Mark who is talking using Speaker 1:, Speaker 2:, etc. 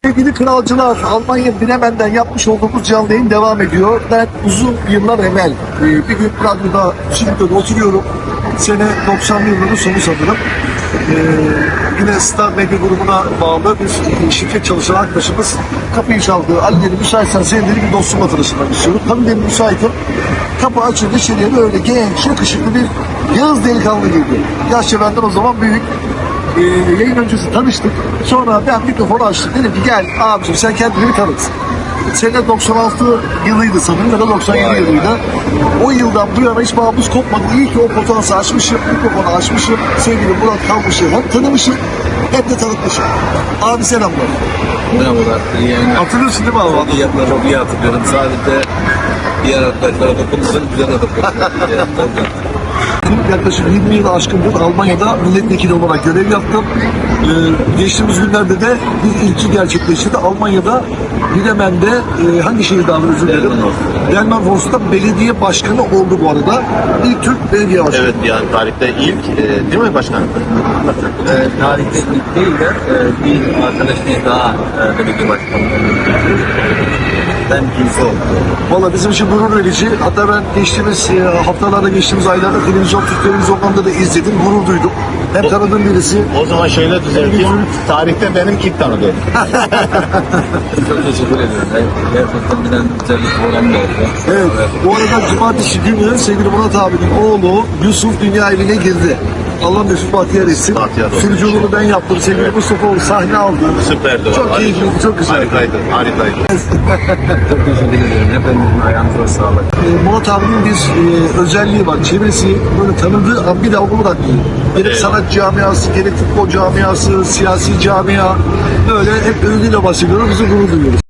Speaker 1: Sevgili kralcılar, Almanya Bremen'den yapmış olduğumuz canlı yayın devam ediyor. Ben uzun yıllar evvel bir gün radyoda, stüdyoda oturuyorum. Sene 90'lı yılların sonu sanırım. Yine Star Medya grubuna bağlı bir şirket çalışan arkadaşımız kapıyı çaldı. Ali dedi, müsaitsen senin dedi bir dostumla tanışmak istiyorum. Tabii dedim müsaitim. Kapı açıldı, içeriye böyle genç, yakışıklı bir Yağız delikanlı girdi. Yaşça benden o zaman büyük. Yayın öncesi tanıştık. Sonra ben mikrofonu açtım. Dedim ki gel abicim sen kendini bir tanıt. Sene 96 yılıydı sanırım ya da 97 yılıydı. O yıldan bu yana hiç bağımız kopmadı. İyi ki o potansı açmışım, mikrofonu açmışım. Sevgili Murat Kalmış'ı hem tanımışım hem de tanıtmışım. Abi selamlar.
Speaker 2: Merhabalar. İyi yayınlar.
Speaker 1: Hatırlıyorsun değil mi abi?
Speaker 2: Çok iyi hatırlıyorum. Sadece diğer arkadaşlara dokunursan güzel hatırlıyorum.
Speaker 1: Yaklaşık 20 yıl aşkındır Almanya'da milletvekili olarak görev yaptım. Geçtiğimiz günlerde de bir ilki gerçekleşti. Almanya'da Bremen'de hangi şehirde abi özür dilerim? Delmenhorst'ta belediye başkanı oldu bu arada. İlk Türk belediye başkanı.
Speaker 3: Evet, yani tarihte ilk değil mi başkan?
Speaker 2: Tarihte ilk değil de bir arkadaşımız daha belediye başkanı. Ben kimse oldum.
Speaker 1: Valla bizim için gurur verici. Hatta ben geçtiğimiz haftalarda, geçtiğimiz aylarda Türk televizyonlarında da izledim. Gurur duydum. Hem tanıdığım birisi.
Speaker 3: O zaman şöyle düzelteyim. Tarihte benim ilk tanıdığım.
Speaker 2: Çok teşekkür ediyorum. Gerçekten bilen güzellik olan da oldu.
Speaker 1: Evet. Bu arada cumartesi günü sevgili Murat abinin oğlu Yusuf dünya evine girdi. Allah mesut bahtiyar etsin.
Speaker 3: Bahtiyar olsun.
Speaker 1: Sürücülüğünü ben yaptım. Sevgili Mustafa sahne aldı.
Speaker 3: Süperdi.
Speaker 1: Çok
Speaker 3: vallahi.
Speaker 1: keyifliydi, çok güzel.
Speaker 3: Harikaydı.
Speaker 2: Çok teşekkür ediyorum. Hepinizin ayağınıza sağlık.
Speaker 1: Murat abinin bir özelliği var. Çevresi böyle tanıdığı an bir daha onu bırakmıyor. Gerek
Speaker 3: Evet.
Speaker 1: sanat camiası, gerek futbol camiası, siyasi camia böyle hep övgüyle bahsediyoruz. Bizi gurur duyuyoruz.